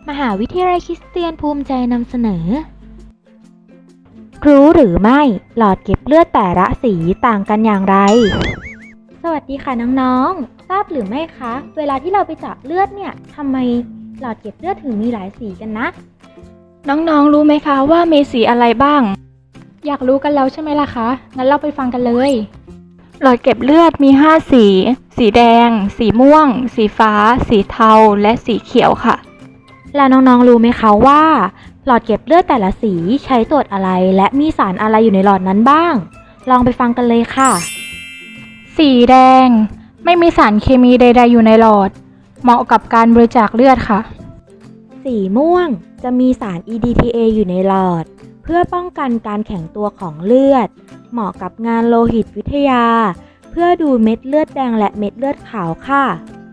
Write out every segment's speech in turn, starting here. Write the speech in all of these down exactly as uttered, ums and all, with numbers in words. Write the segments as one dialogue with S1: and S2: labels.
S1: มหาวิทยาลัยคริสเตียนภูมิใจนำเสนอ รู้หรือไม่หลอดเก็บเลือดแต่ละสีต่างกันอย่างไร สวัสดีค่ะน้องๆทราบหรือไม่คะเวลาที่เราไปเจาะเลือดเนี่ยทำไมหลอดเก็บเลือดถึงมีหลายสีกันนะ
S2: น้องๆรู้ไหมคะว่ามีสีอะไรบ้างอยากรู้กันแล้วใช่ไหมล่ะคะงั้นเราไปฟังกันเลยหลอดเก็บเลือดมีห้าสีสีแดงสีม่วงสีฟ้าสีเทาและสีเขียวค่ะ
S1: แล้วน้องๆรู้ไหมคะว่าหลอดเก็บเลือดแต่ละสีใช้ตรวจอะไรและมีสารอะไรอยู่ในหลอดนั้นบ้างลองไปฟังกันเลยค่ะ
S2: สีแดงไม่มีสารเคมีใดๆอยู่ในหลอดเหมาะกับการบริจาคเลือดค่ะ
S1: สีม่วงจะมีสาร อี ดี ที เอ อยู่ในหลอดเพื่อป้องกันการแข็งตัวของเลือดเหมาะกับงานโลหิตวิทยาเพื่อดูเม็ดเลือดแดงและเม็ดเลือดขาวค่ะ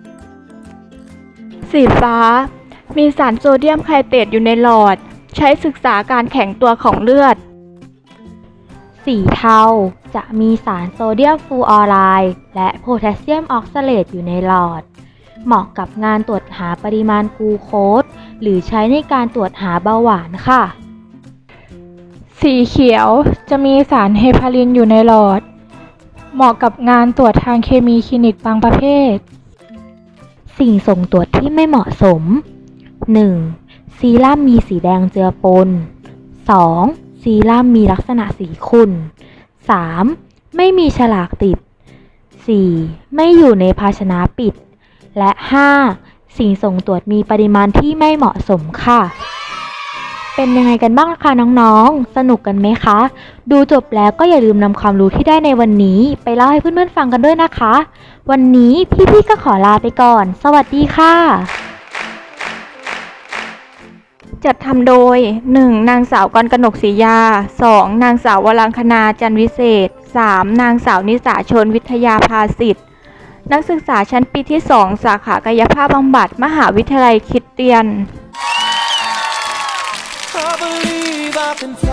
S2: สีฟ้ามีสารโซเดียมไคเตตอยู่ในหลอดใช้ศึกษาการแข็งตัวของเลือด
S1: สีเทาจะมีสารโซเดียมฟลูออไรด์และโพแทสเซียมออกซาเลตอยู่ในหลอดเหมาะกับงานตรวจหาปริมาณกลูโคสหรือใช้ในการตรวจหาเบาหวานค่ะ
S2: สีเขียวจะมีสารเฮปารินอยู่ในหลอดเหมาะกับงานตรวจทางเคมีคลินิกบางประเภท
S1: สิ่งส่งตรวจที่ไม่เหมาะสม หนึ่ง. ซีรั่มมีสีแดงเจือปน สอง. ซีรั่มมีลักษณะสีขุ่น สาม. ไม่มีฉลากติด สี่. ไม่อยู่ในภาชนะปิด และ ห้า. สิ่งส่งตรวจมีปริมาณที่ไม่เหมาะสมค่ะเป็นยังไงกันบ้างคะน้องๆสนุกกันไหมคะดูจบแล้วก็อย่าลืมนำความรู้ที่ได้ในวันนี้ไปเล่าให้เพื่อนๆฟังกันด้วยนะคะวันนี้พี่ๆก็ขอลาไปก่อนสวัสดีค่ะ
S2: จัดทำโดย หนึ่ง. นางสาวกรกนกศรียา สอง. นางสาววรังคณาจันวิเศษ สาม. นางสาวนิสาชนวิทยาภาสิทธิ์นักศึกษาชั้นปีที่สองสาขากายภาพบำบัดมหาวิทยาลัยคริสเตียน
S3: I believe I can fly.